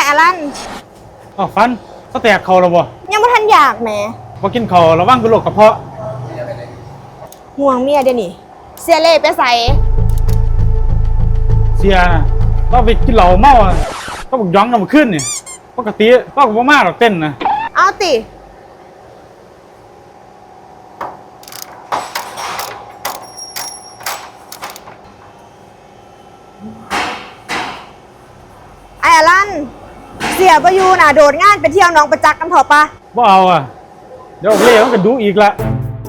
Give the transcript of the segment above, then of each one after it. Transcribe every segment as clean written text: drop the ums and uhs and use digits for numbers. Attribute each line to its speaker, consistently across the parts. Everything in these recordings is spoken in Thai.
Speaker 1: อลัน
Speaker 2: อ๋อฟันก็แตกเข่าแล้วบ่
Speaker 1: ยังไม่ทันอยากแหม
Speaker 2: บ่กินเข่าระวังเป็นโรคกระเพาะ
Speaker 1: ห่วงเมียเดี๋ยวนี้เสียเล่ไปใส่
Speaker 2: เสียนะก็ไปกินเหล้าเมาก็บอกย้องน้ำขึ้นนี่ปกติก็บ่มาหรอกเต้นนะ
Speaker 1: เอาติไอ้อลันเสียประยูน่ะโดดงานไปเที่ยวน้องประจักษ์กันเถอะปะ
Speaker 2: บ่เอาอ่ะเดี๋ยวเล่มันก็ดูอีกละ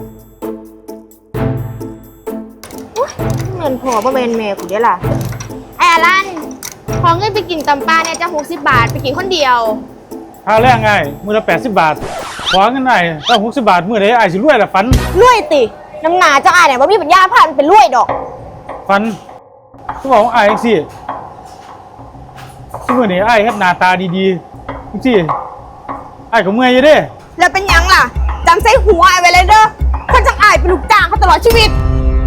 Speaker 1: เงินพอบ่เป็นแม่กูเดี๋ยวล่ะไอ้อลันขอเงินไปกินตำปลาเนี่ยจะ60 บาทไปกินคนเดียว
Speaker 2: ค่าแรงไงมื้อละ80 บาทขอเงินไอ้ถ้า60 บาทมื้อใดไอ้สิรวยล่ะฟัน
Speaker 1: รวยติน้ำหนาเจ้าอ้ายเนี่ยบ่มีปัญญาพันเป็นรวยดอก
Speaker 2: ฟันก็บอกว่าไอ้จังซี่ซุมื้อนี้ไอ้เฮ็ดหน้าตาดีๆจังซี่ไอ้ก็เมื่อยอยู่เด้
Speaker 1: แล้วเป็นยังล่ะจำใส่หัวไอ้ไว้เลยเด้อคนจังอ้ายเป็นลูกจ้างเขาตลอดชีวิต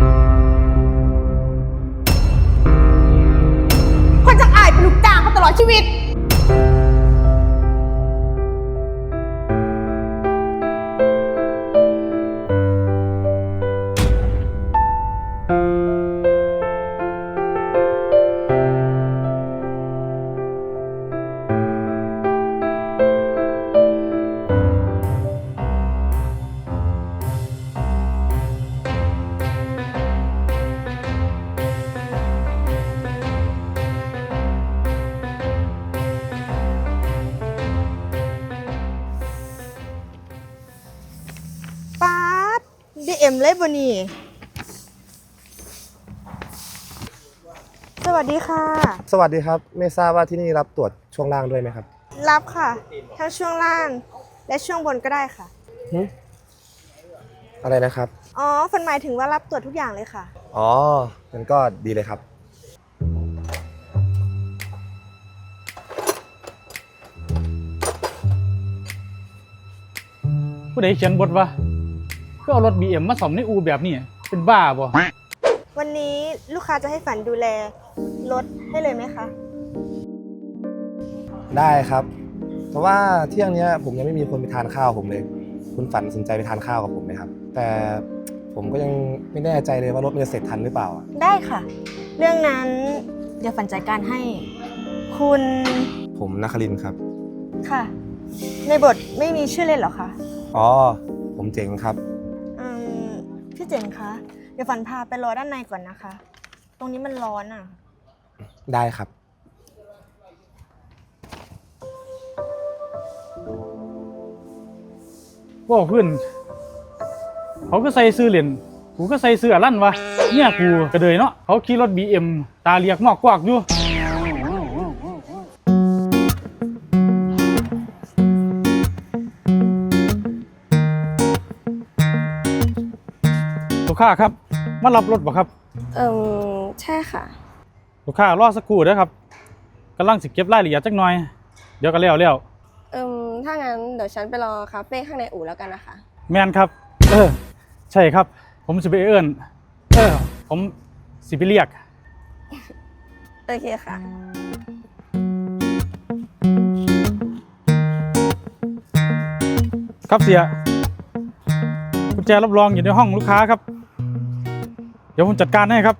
Speaker 1: คนจังอ้ายเป็นลูกจ้างเขาตลอดชีวิตDM เลยบ่นี่สวัสดีค่ะ
Speaker 3: สวัสดีครับไม่ทราบว่าที่นี่รับตรวจช่วงล่างด้วยไหมครับ
Speaker 1: รับค่ะทั้งช่วงล่างและช่วงบนก็ได้ค่ะ
Speaker 3: อะไรนะครับ
Speaker 1: อ๋อฝนหมายถึงว่ารับตรวจทุกอย่างเลยค่ะ
Speaker 3: อ๋องั้นก็ดีเลยครับ
Speaker 2: ผู้ใดเขียนบทวะก็เอารถ BM มาซ่อมในอู่แบบนี้เป็นบ้าบ่
Speaker 1: วันนี้ลูกค้าจะให้ฝันดูแลรถให้เลยไหมคะ
Speaker 3: ได้ครับเพราะว่าเที่ยงนี้ผมยังไม่มีคนไปทานข้าวผมเลยคุณฝันสนใจไปทานข้าวกับผมไหมครับแต่ผมก็ยังไม่แน่ใจเลยว่ารถมันจะเสร็จทันหรือเปล่า
Speaker 1: ได้ค่ะเรื่องนั้นเดี๋ยวฝันจัดการให้คุณ
Speaker 3: ผมนครินทร์ครับ
Speaker 1: ค่ะในบทไม่มีชื่อเล่นหรอคะ
Speaker 3: อ๋อผมเจ๋งครับ
Speaker 1: พี่เจ๋งคะเดี๋ยวฝันพาไปรอด้านในก่อนนะคะตรงนี้มันร้อนอ่ะ
Speaker 3: ได้ครับ
Speaker 2: ว่าเพื่อนเขาก็ใส่ซื้อเหรียญกูก็ใส่ซื้อลั่นวะเนี่ยกูกระเดยเนาะเขาขี่รถ BM ตาเรียกมอกกวากอยู่ลูกค้าครับมารับรถบ่ครับ
Speaker 1: ใช่ค่ะ
Speaker 2: ลูกค้ารอสักครู่เด้อครับกำลังสิเก็บรายละเอียดจักหน่อยเดี๋ยวก็แล้ว
Speaker 1: ถ้างั้นเดี๋ยวฉันไปรอคาเฟ่ข้างในอู่แล้วกันนะคะ
Speaker 2: แมนครับใช่ครับผมสิไปเอิ้นผมสิไปเรียก
Speaker 1: โอเคค่ะ
Speaker 2: ครับเสียกุญแจรับรองอยู่ในห้องลูกค้าครับเดี๋ยวผมจัดการให้ครับ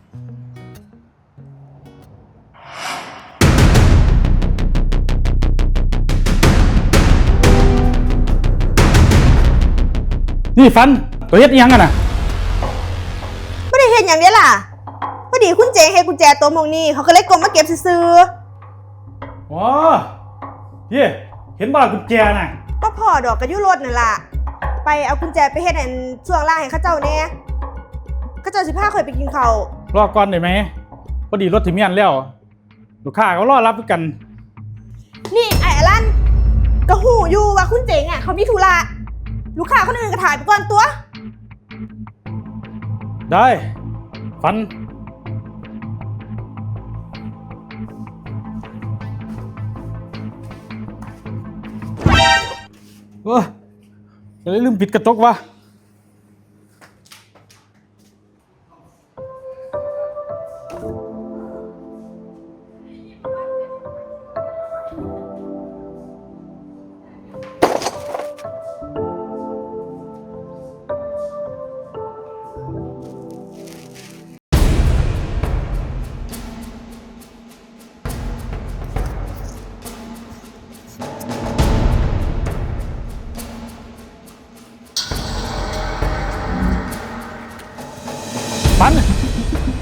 Speaker 2: นี่ฟันตัวเฮ็ดยังกันน่ะ
Speaker 1: ไม่ได้เห็นอย่างนี้ล่ะพอดีคุณเจ๋งเห็นกุญแจตัวมงนี่เขาก็เลยกลมมาเก็บซื้อ
Speaker 2: อ๋อเฮ้เห็นบ่ล่ะกุญแจน่ะ
Speaker 1: ก็พอดอกกระยุรถนั่นล่ะไปเอากุญแจไปเฮ็ดให้ช่วงล่างให้ข้าเจ้าเนี่ยข้าเจ้า15เคยไปกินข้าว
Speaker 2: รอก่อนได้ไหมพอดีรถถึงเมียนแล้วลูกค้าเขารอรับกัน
Speaker 1: นี่ไอ้อลันก็หูอยู่ว่าคุณเจ๋งอ่ะเขามีธุระลูกค้าคนอื่นก็ถ่ายไปก่อนตัว
Speaker 2: ได้ฟันจะได้ลืมปิดกระจกวะ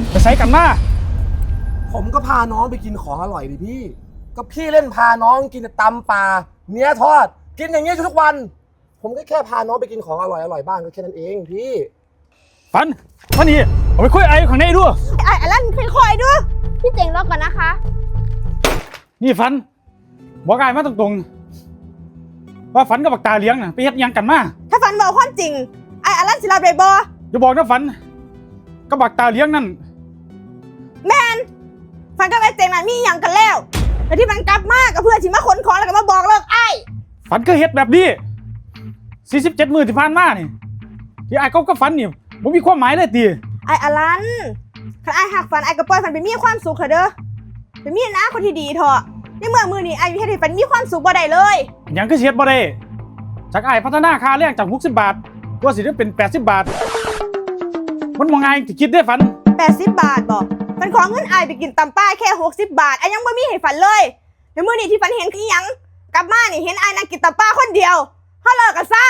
Speaker 2: ไปใส่กันมา
Speaker 3: ผมก็พาน้องไปกินของอร่อยดิพี่ ก็พี่เล่นพาน้องกินแต่ตำปลาเนื้อทอด กินอย่างนี้ทุกวัน ผมก็แค่พาน้องไปกินของอร่อยบ้างก็แค่นั้นเองพี่
Speaker 2: ฝันมานี่เอาไปคุยไอ้ข้างในด้วย
Speaker 1: ไอ้ลั่นคอยๆด้วยพี่เจ๋งรอก่อนนะคะ
Speaker 2: นี่ฝันบอกไอ้มาตรงๆว่าฝันกับบักตาเลี้ยงน่ะไปเฮ็ดหยังกันมา
Speaker 1: ถ้าฝันบอกความจริงไอ้ลั่นสิรับได้บ่
Speaker 2: อย่าบอกนะฝันกับบักตาเลี้ยงนั่น
Speaker 1: แมนฝันกับไอ้เจ๋งน่ะมีอย่างกันแล้วแต่ที่มันกลับมาก็เพื่อสิมาขนของแล้วก็มาบอกเลิกไอ้
Speaker 2: ฝันก็เฮ็ดแบบนี้47 มื้อที่ผ่านมานี่ที่ไอ้ก็ฝันนี่บ่มีความหมายเลยติ
Speaker 1: ไอ้ลั่นคันไอ้หักฝันไอ้ก็ปล่อยฝันไปมีความสุขเถอะเด้อไปมีนะคนที่ดีเถอะในเมื่อมือนี้ไอ้เฮ็ดให้ฝันมีความสุขบ่ได้เลย
Speaker 2: หยังก็เฮ็ดบ่ได้จากไอ้พัฒนาค่าแรงจาก60 บาทว่าสิได้เป็น80 บาทมันบ่ง่ายที่คิดได้ฝัน
Speaker 1: 80 บาทบอกฝันขอเงินไอ้ไปกินตำป้าแค่60 บาทไอ้ยังบ่มีให้ฝันเลยในมือนี้ที่ฝันเห็นคือหยังกลับมานี่เห็นไอ้นั่งกินตำป้าคนเดียวเฮาเลิกกันซะ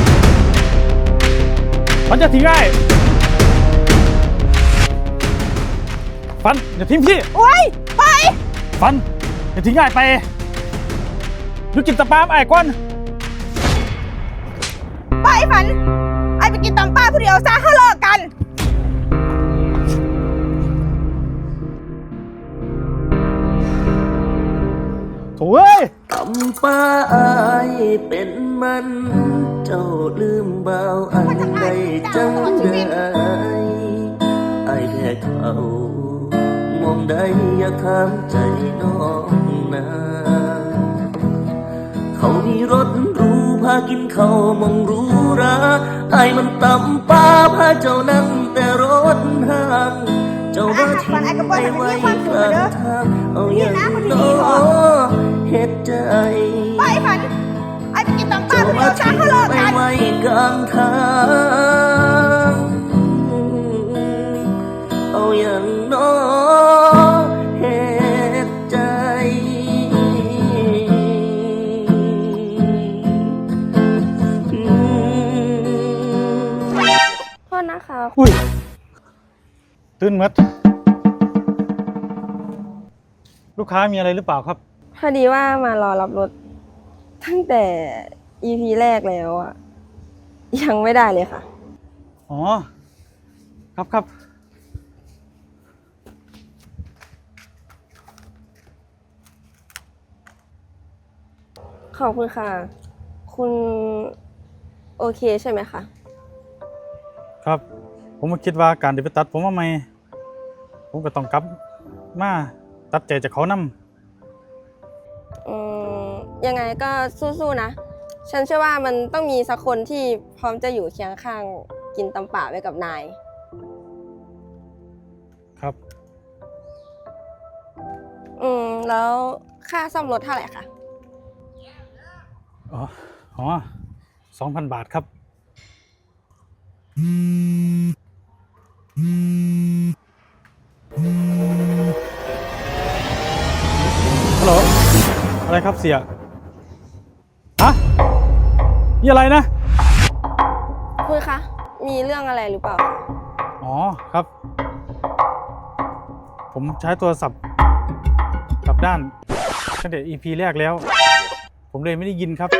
Speaker 2: ฝันจะทิ้งไอ้ฝันอย่าทิ้งพี่
Speaker 1: โอ๊ยไป
Speaker 2: ฝันอย่าทิ้งไอ้ไปอยู่กินตะปามไอ้ก่อน
Speaker 1: ไปฝันไอ้ไปกินตำป้าผู้เดียวซะเฮาเลิกกัน
Speaker 2: โถ่เอ้ย
Speaker 4: ตำป้าอายเป็นมันเจ้าลืมบ่าวอันใดจังได้อายแพ้เขามองได้อย่าข้ามใจน้องนาเขามีรถหรูพากินเขาวมองหรูราอายมันตำป้าพาเจ้านั่งแต่รถห้างเจ้าว่าทิ้งไปไว้กลางทางเอาอย่างน้อเฮ็ดใจ
Speaker 1: ไปฝันไอ้ไปกินตำป้า
Speaker 4: เจ้า
Speaker 1: ผู้เดี
Speaker 4: ว่า
Speaker 1: ยวซะ
Speaker 4: ทิ้ง
Speaker 1: เฮาเลิก
Speaker 4: ไป
Speaker 1: กัน
Speaker 4: ไว้กลางทางเอาอย่างน้อเฮ็ดใจ
Speaker 5: โทษนะคะ
Speaker 2: อุ้ยตื่นหมดลูกค้ามีอะไรหรือเปล่าครับ
Speaker 5: พอดีว่ามารอรับรถตั้งแต่ EP แรกแล้วอะยังไม่ได้เลยค่ะ
Speaker 2: อ๋อครับครับ
Speaker 5: ขอบคุณค่ะ คุณโอเคใช่ไหมคะ
Speaker 2: ครับผมก็คิดว่าการที่ไปตัดผมว่าไม่ผมก็ต้องกลับมาตัดใจจากเขานำ
Speaker 5: ยังไงก็สู้ๆนะ ฉันเชื่อว่ามันต้องมีสักคนที่พร้อมจะอยู่เคียงข้างกินตำป่าไว้กับนาย
Speaker 2: ครับ
Speaker 5: แล้วค่าซ่อมรถเท่าไหร่คะ
Speaker 2: อ๋อ 2,000 บาทครับฮัลโหลอะไรครับเสียฮะนี่อะไรนะ
Speaker 5: คุณคะ มีเรื่องอะไรหรือเปล่า
Speaker 2: อ๋อครับ ผมใช้โทรศัพท์กลับด้านตั้งแต่ EP แรกแล้ว ผมเลยไม่ได้ยินครับ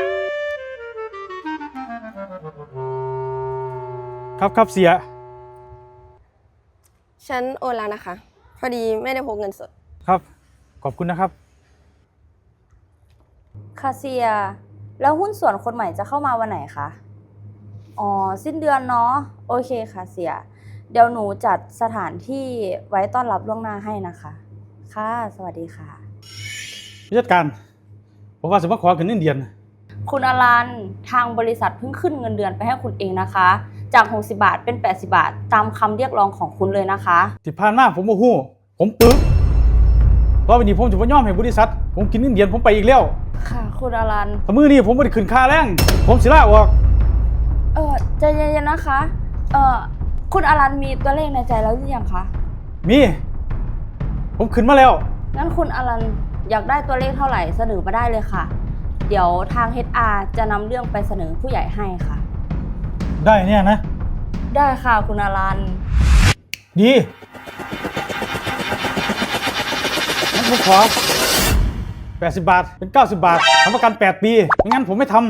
Speaker 2: ครับเสีย
Speaker 5: ฉันโอนแล้วนะคะ พอดีไม่ได้พกเงินสด
Speaker 2: ครับ ขอบคุณนะครับ
Speaker 6: คาเซีย แล้วหุ้นส่วนคนใหม่จะเข้ามาวันไหนคะ อ๋อ สิ้นเดือนเนาะ โอเคค่ะเสีย เดี๋ยวหนูจัดสถานที่ไว้ต้อนรับล่วงหน้าให้นะคะ ค่ะ สวัสดีค่ะ
Speaker 2: ผู้จัดการ ผมว่าสมมติขอขึ้นเงินเดือน
Speaker 6: คุณอลัน ทางบริษัทเพิ่งขึ้นเงินเดือนไปให้คุณเองนะคะ จาก60 บาทเป็น 80 บาท ตามคำเรียกร้องของคุณเลยนะคะ
Speaker 2: ที่ผ่านมาผมโมโหผมปึกเพราะวันนี้ผมจะไม่ยอมให้บริษัท ผมกินเงินเดือนผมไปอีกแล้ว
Speaker 6: ค่ะ คุณอลัน
Speaker 2: ถ้ามือนี้ผมไม่ได้ขึ้นค่าแรง ผมสิลาออก
Speaker 6: ใจเย็นๆนะคะ คุณอลันมีตัวเลขในใจแล้วหรือยังคะ
Speaker 2: มี ผมขึ้นมาแล้ว
Speaker 6: งั้นคุณอลันอยากได้ตัวเลขเท่าไหร่เสนอมาได้เลยค่ะ เดี๋ยวทาง HR จะนำเรื่องไปเสนอผู้ใหญ่ให้ค่ะ
Speaker 2: ได้เนี่ยนะ
Speaker 6: ได้ค่ะคุณอลัน
Speaker 2: ดีผมขอ80 บาทเป็น90 บาททำประกัน8 ปีไม่งั้นผมไม่ท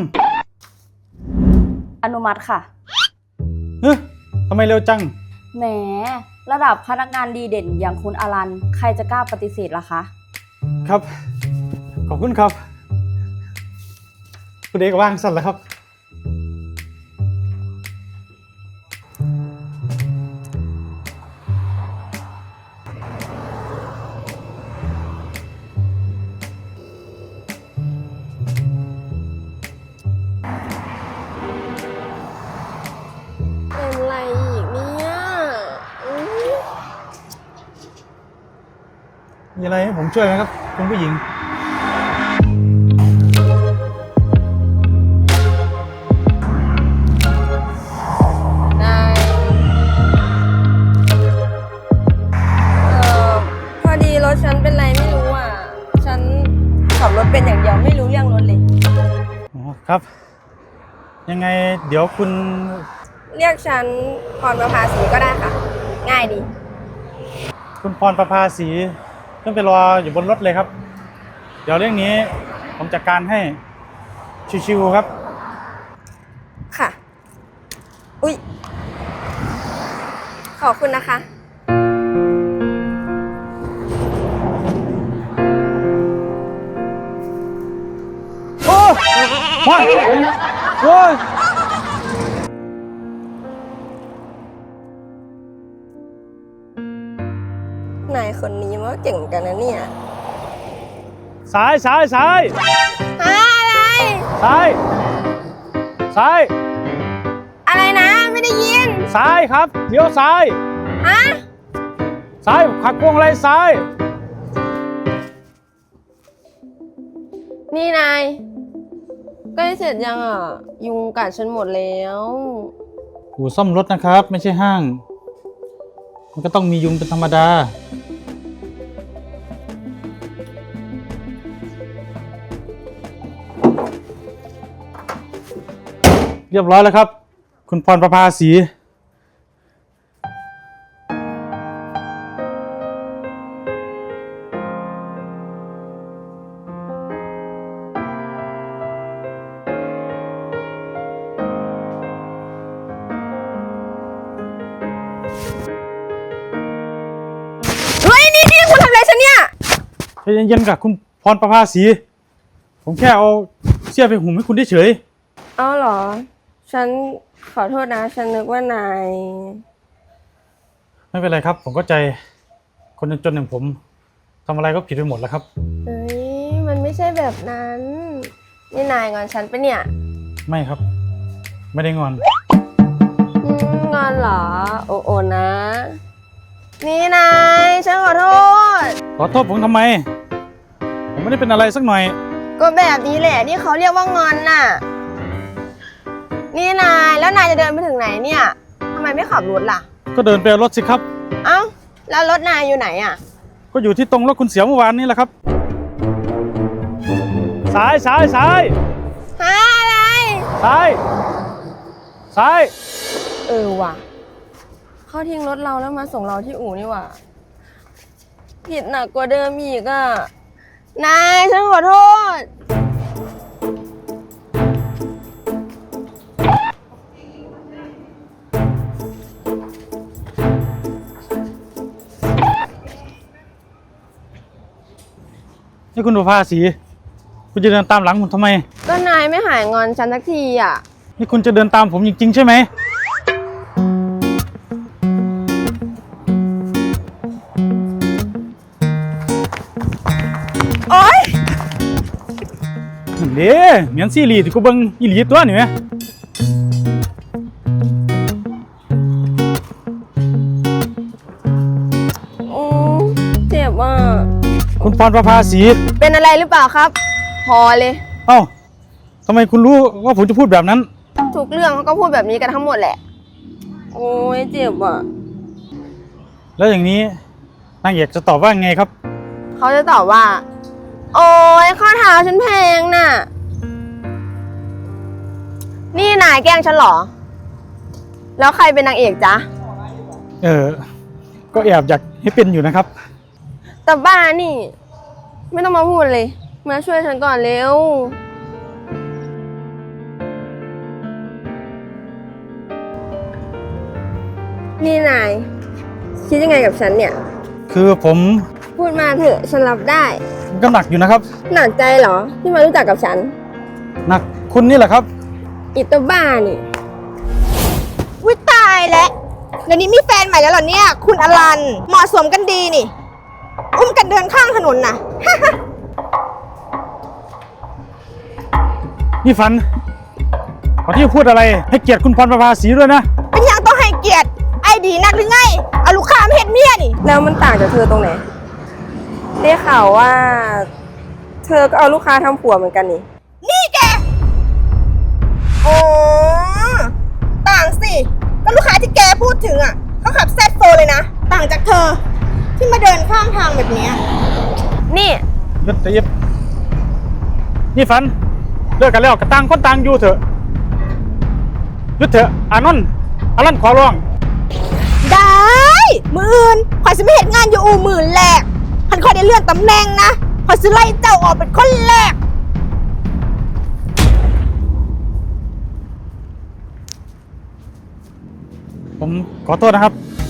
Speaker 6: อนุมัติค่ะ
Speaker 2: ำเฮ้ยทำไมเร็วจัง
Speaker 6: แหม ระดับพนักงานดีเด่นอย่างคุณอลัน ใครจะกล้าปฏิเสธล่ะคะ
Speaker 2: ครับ ขอบคุณครับคุณเอกว่างสั่นแล้วครับ
Speaker 5: เป็นไรอีกเนี่ยอุ๊ย
Speaker 2: มีอะไรให้ผมช่วยไหมครับคุณผู้หญิง
Speaker 5: ได้พอดีรถฉันเป็นไรไม่รู้อ่ะ ฉันขับรถเป็นอย่างเดียวไม่รู้เรื่องรถเลย
Speaker 2: อ๋อครับ ยังไงเดี๋ยวคุณ
Speaker 5: เรียกฉันพรประภาสีก็ได้ค่ะ ง่ายดี
Speaker 2: คุณพรประภาสีขึ้นไปรออยู่บนรถเลยครับ เดี๋ยวเรื่องนี้ผมจัดการให้ชิวๆครับ
Speaker 5: ค่ะ อุ๊ย ขอบคุณนะคะ
Speaker 2: โอ้มาโอ้ย
Speaker 5: นายคนนี้มันก็เก่งเหมือนกันนะเนี่ย
Speaker 2: ซ้ายซ้ายซ้าย
Speaker 5: อะไร
Speaker 2: ซ้ายซ้าย
Speaker 5: อะไรนะ ไม่ได้ยิน
Speaker 2: ซ้ายครับเลี้ยวซ้าย
Speaker 5: ฮะ
Speaker 2: ซ้ายขัดพวงอะไรซ้าย
Speaker 5: นี่นายใกล้เสร็จยังอ่ะ ยุงกัดฉันหมดแล้ว
Speaker 2: อู่ซ่อมรถนะครับ ไม่ใช่ห้าง มันก็ต้องมียุงเป็นธรรมดา เรียบร้อยแล้วครับ คุณพรประภาสี
Speaker 5: เฮ้ย นี่คุณทำอะไรฉันเนี่ย
Speaker 2: ใจเย็นๆกับคุณพรประภาสี ผมแค่เอาเสี้ยไปหุ่มให้คุณเฉย
Speaker 5: เอาเหรอ ฉันขอโทษนะ ฉันนึกว่านาย
Speaker 2: ๆไม่เป็นไรครับ ผมก็ใจคนจนๆอย่างผมทำอะไรก็ผิดไปหมดแล้วครับ
Speaker 5: เฮ้ย มันไม่ใช่แบบนั้น นี่นายงอนฉันปะเนี่ย
Speaker 2: ไม่ครับ ไม่ได้งอน
Speaker 5: งอนเหรอ โอ้โอนะ นี่นาย ฉันขอโทษ
Speaker 2: ขอโทษผมทำไม ผมไม่ได้เป็นอะไรสักหน่อย
Speaker 5: ก็แบบนี้แหละนี่เขาเรียกว่างอนน่ะ นี่นายแล้วนายจะเดินไปถึงไหนเนี่ยทำไมไม่ขับรถล่ะ
Speaker 2: ก็เดินไปเอารถสิครับ
Speaker 5: เอ้าแล้วรถนายอยู่ไหนอ่ะ
Speaker 2: ก็อยู่ที่ตรงรถคุณเสียเมื่อวานนี้แหละครับ ซ้ายซ้ายซ้าย
Speaker 5: หาอะไร
Speaker 2: ซ้ายซ้าย
Speaker 5: ว่ะเขาทิ้งรถเราแล้วมาส่งเราที่อู่นี่ว่ะผิดหนักกว่าเดิมอีกอ่ะนายฉันขอโทษ
Speaker 2: นี่คุณประภาสี คุณจะเดินตามหลังผมทำไม
Speaker 5: ก็นายไม่หายงอนฉันสักทีอ่ะ
Speaker 2: นี่คุณจะเดินตามผมจริงๆใช่ไหม
Speaker 5: โอ๊ย
Speaker 2: นั่นเด้เหมือนซีรีส์ที่กูเบิ่งอีหลีตัวนี่ไหม
Speaker 5: เจ็บอ่ะ
Speaker 2: คุณพรประภาสี
Speaker 5: เป็นอะไรหรือเปล่าครับ พอเลย
Speaker 2: เอ้าทำไมคุณรู้ว่าผมจะพูดแบบนั้น
Speaker 5: ทุกเรื่องเขาก็พูดแบบนี้กันทั้งหมดแหละ โอ้ยเจ็บอ่ะ
Speaker 2: แล้วอย่างนี้นางเอกจะตอบว่าไงครับ
Speaker 5: เขาจะตอบว่า โอ้ยข้อเท้าฉันแพงน่ะ นี่นายแกล้งฉันเหรอ แล้วใครเป็นนางเอกจ๊ะ
Speaker 2: ก็แอบอยากให้เป็นอยู่นะครับ
Speaker 5: แต่บ้านี่ไม่ต้องมาพูดเลย มาช่วยฉันก่อนเร็ว นี่นายคิดยังไงกับฉันเนี่ย
Speaker 2: คือผม
Speaker 5: พูดมาเถอะฉันรับได้
Speaker 2: ก็หนักอยู่นะครับ
Speaker 5: หนักใจเหรอ ที่มารู้จักกับฉัน
Speaker 2: หนักคุณนี่แหละครับ
Speaker 5: อิตาบ้านี่
Speaker 1: วิตายแล้วเดี๋ยวนี้มีแฟนใหม่แล้วเหรอเนี่ย คุณอลันเหมาะสมกันดีนี่ อุ้มกันเดินข้างถนนน่ะ
Speaker 2: นี่ฝันก่อนที่จะพูดอะไรให้เกียรติคุณพรประภาสีด้วยนะ
Speaker 1: เป็นยังต้องให้เกียรติไอ้ดีนักหรือไงเอาลูกค้ามาเห็ดเมียนี่
Speaker 5: แล้วมันต่างจากเธอตรงไหน ได้ข่าวว่า เธอก็เอาลูกค้าทำผัวเหมือนกันนี่
Speaker 1: นี่แกอ๋อต่างสิก็ลูกค้าที่แกพูดถึงอ่ะเขาขับแซดโฟเลยนะ ต่างจากเธอ ที่มาเดินข้างทางแบบเนี้ย
Speaker 5: นี่
Speaker 2: หยุดหยุดนี่ฝันเลิกกันแล้วก็ต่างคนต่างอยู่เถอะหยุดเถอะอานนท์อลันขอร้อง
Speaker 1: ได้มืออื่นคอยจะไม่เห็นงานอยู่อู่หมื่นแรกพันคอยได้เลื่อนตำแหน่งนะคอยจะไล่เจ้าออกเป็นคนแรก
Speaker 2: ผมขอโทษนะครับ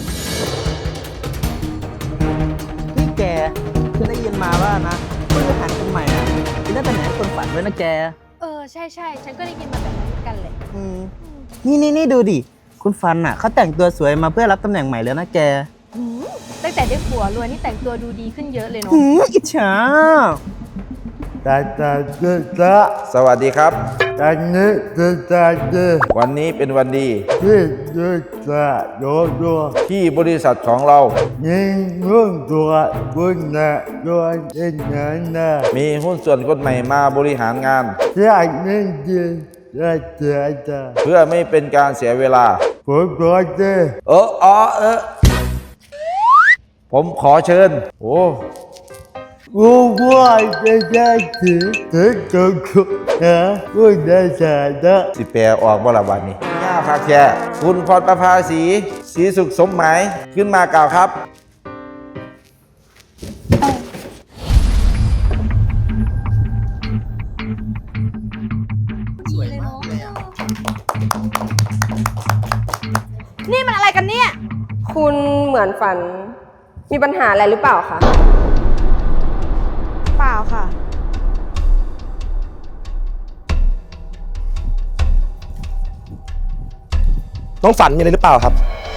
Speaker 7: นี่แกฉันได้ยินมาว่านะผู้บริหารคนใหม่อ่ะเป็นได้ตำแหน่งคนฝันด้วยนะแก
Speaker 8: ใช่ใช่ฉันก็ได้ยินมาแบบนั้นเหมือนกันเลย
Speaker 7: อืมนี่ดูดิ คุณฟันอ่ะเขาแต่งตัวสวยมาเพื่อรับตำแหน่งใหม่แล้วนะแก
Speaker 8: ตั้งแต่ได้ผัวรวยนี่แต่งตัวดูดีขึ้นเยอะเลยเนาะ
Speaker 7: อิจฉา
Speaker 9: สวัสดีครับ
Speaker 10: อันนี้จะจะ
Speaker 9: วันนี้เป็นวันดี
Speaker 10: ที่จะโดด
Speaker 9: ที่บริษัทของเรา
Speaker 10: ยิงเรื่องตัวคุณนะตัวเองนะ
Speaker 9: มีหุ้นส่วนคนใหม่มาบริหารงาน
Speaker 10: ที่อันนี้จะ
Speaker 9: เพื่อไม่เป็นการเสียเวลา
Speaker 10: ผมก็จะ
Speaker 9: ผมขอเชิญ โอ้
Speaker 10: รู้ว่าจะถึงจุดนะคุณได้จะ
Speaker 9: สิแปลออกบ่ละวันนี้ย่าพักแค่คุณพรประภาสีศรีสุขสมหมายขึ้นมากล่าวครับ
Speaker 1: นี่มันอะไรกันเนี่ย
Speaker 5: คุณเหมือนฝัน มีปัญหาอะไรหรือเปล่าคะ
Speaker 1: เปล่าค่ะ
Speaker 3: น้องฝันมีอะไรหรือเปล่าครับ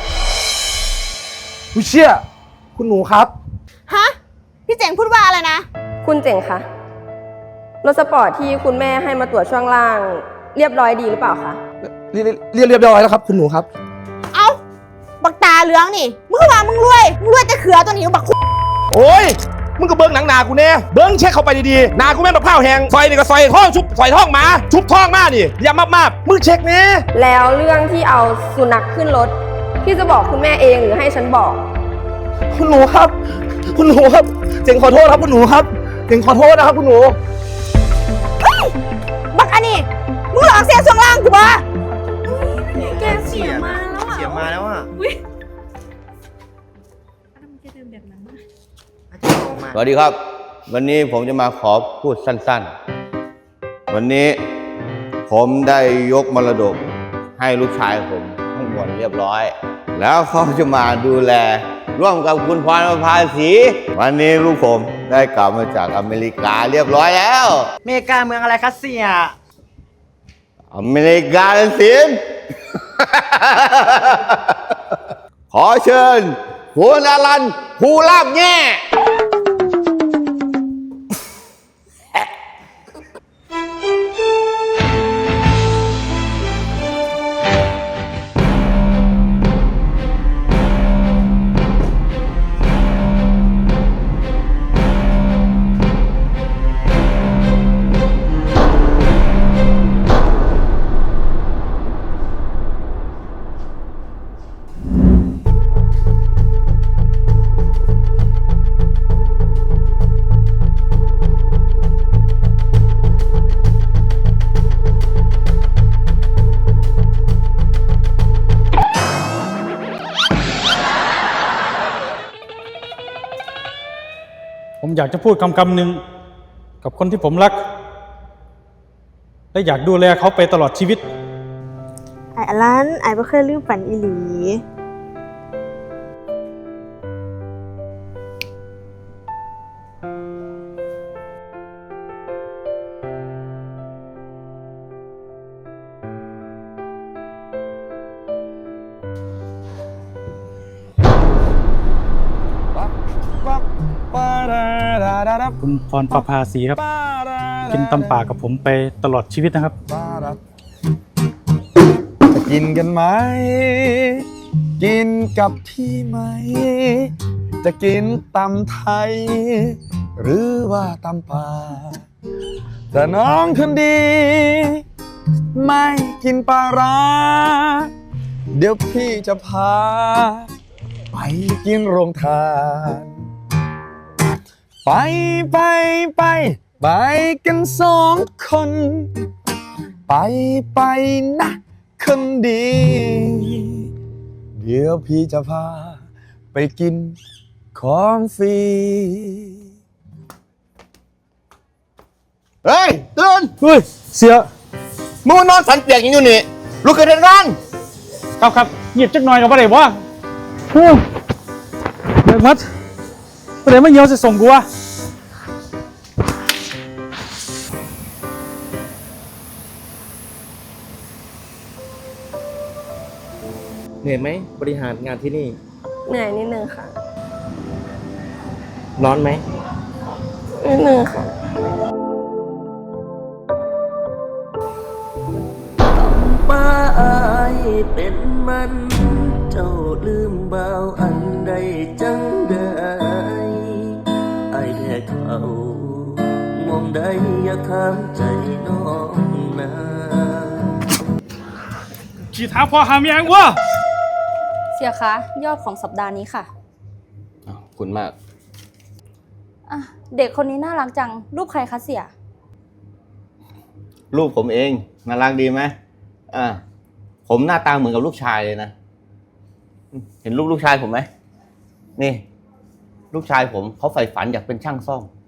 Speaker 3: ผู้เชี่ยคุณหนูครับ
Speaker 1: ฮะ พี่เจ๋งพูดว่าอะไรนะ
Speaker 5: คุณเจ๋งคะรถสปอร์ตที่คุณแม่ให้มาตรวจช่วงล่าง เรียบร้อยดีหรือเปล่าคะ
Speaker 3: เรียบร้อยแล้วครับคุณหนูครับ
Speaker 1: เอ้า บักตาเหลืองนี่ มึงว่ามึงรวยแต่เขือตัวนี้บักคุ
Speaker 3: โอ้ย มึงก็เบิ้งหนังหนากูแน่เบิ้งเช็คเข้าไปดีๆหนากูแม่นบักพร้าวแหงซอยนี่ก็ซอยท้องชุบซอยท้องหมาชุบท้องมานี่อย่ามากๆมึงเช็คแน่
Speaker 5: แล้วเรื่องที่เอาสุนัขขึ้นรถ พี่จะบอกคุณแม่เองหรือให้ฉันบอก
Speaker 3: คุณหนูครับ คุณหนูครับเจ๋งขอโทษครับคุณหนูครับเจ๋งขอโทษนะครับคุณหนู
Speaker 1: บักอันนี้ มึงหลอกเสียช่วงล่างกูบ่
Speaker 8: แกเสียมาแล้วอ่ะ
Speaker 7: เสียมาแล้วอ่ะ
Speaker 11: สวัสดีครับ วันนี้ผมจะมาขอพูดสั้นๆ วันนี้ผมได้ยกมรดกให้ลูกชายผมทั้งหมดเรียบร้อย แล้วเขาจะมาดูแล ร่วมกับคุณพรประภาสี วันนี้ลูกผมได้กลับมาจากอเมริกาเรียบร้อยแล้ว
Speaker 7: อเมริกาเมืองอะไรคะเสีย
Speaker 11: อเมริกาสิน ขอเชิญคุณอลันภูลาบแง่
Speaker 2: ผมอยากจะพูดคำหนึ่งกับคนที่ผมรัก และอยากดูแลเขาไปตลอดชีวิต
Speaker 1: ไอ้อลันไอ้บ่เคยลืมฝันอีหลี
Speaker 2: คุณพรประภาสีครับ กินตำป่ากับผมไปตลอดชีวิตนะครับ
Speaker 10: จะกินกันไหม กินกับพี่ไหม จะกินตำไทย หรือว่าตำป่าแต่น้องคนดี ไม่กินปลาร้า เดี๋ยวพี่จะพา ไปกินโรงทาน ไปกันสองคน ไปนะคนดี เดี๋ยวพี่จะพา ไปกินของฟรี
Speaker 11: เฮ้ยตื่น
Speaker 2: เฮ้ย เสีย
Speaker 11: มึงมานอนสันเปียกอย่างอยู่นี่ลุกขึ้นเดินงาน
Speaker 2: ครับเงียบจักหน่อยกับอะไรวะเฮ้ยเด็กมัดประเดี๋ยวไม่เหี่ยวจะส่งกูวะ
Speaker 7: เหนื่อยไหมบริหารงานที่นี่
Speaker 5: เหนื่อยนิดนึงค่ะ
Speaker 7: ร้อนไหม
Speaker 5: นิดนึงค่ะ
Speaker 4: ป้าอายเป็นมันเจ้าลืมบ่าวอันใดจังได้อายแท้เขามองได้อย่าข้ามใจน้องนะ
Speaker 2: ขี่ท้าพอหาเมียงวะ
Speaker 6: เสียคะยอดของสัปดาห์นี้ค่ะ
Speaker 11: ขอบคุณมาก
Speaker 6: อ่ะเด็กคนนี้น่ารักจัง รูปใครคะเสีย
Speaker 11: รูปผมเองน่ารักดีไหมผมหน้าตาเหมือนกับลูกชายเลยนะ เห็นลูกชายผมไหมนี่ ลูกชายผมเขาใฝ่ฝันอยากเป็นช่างซ่อม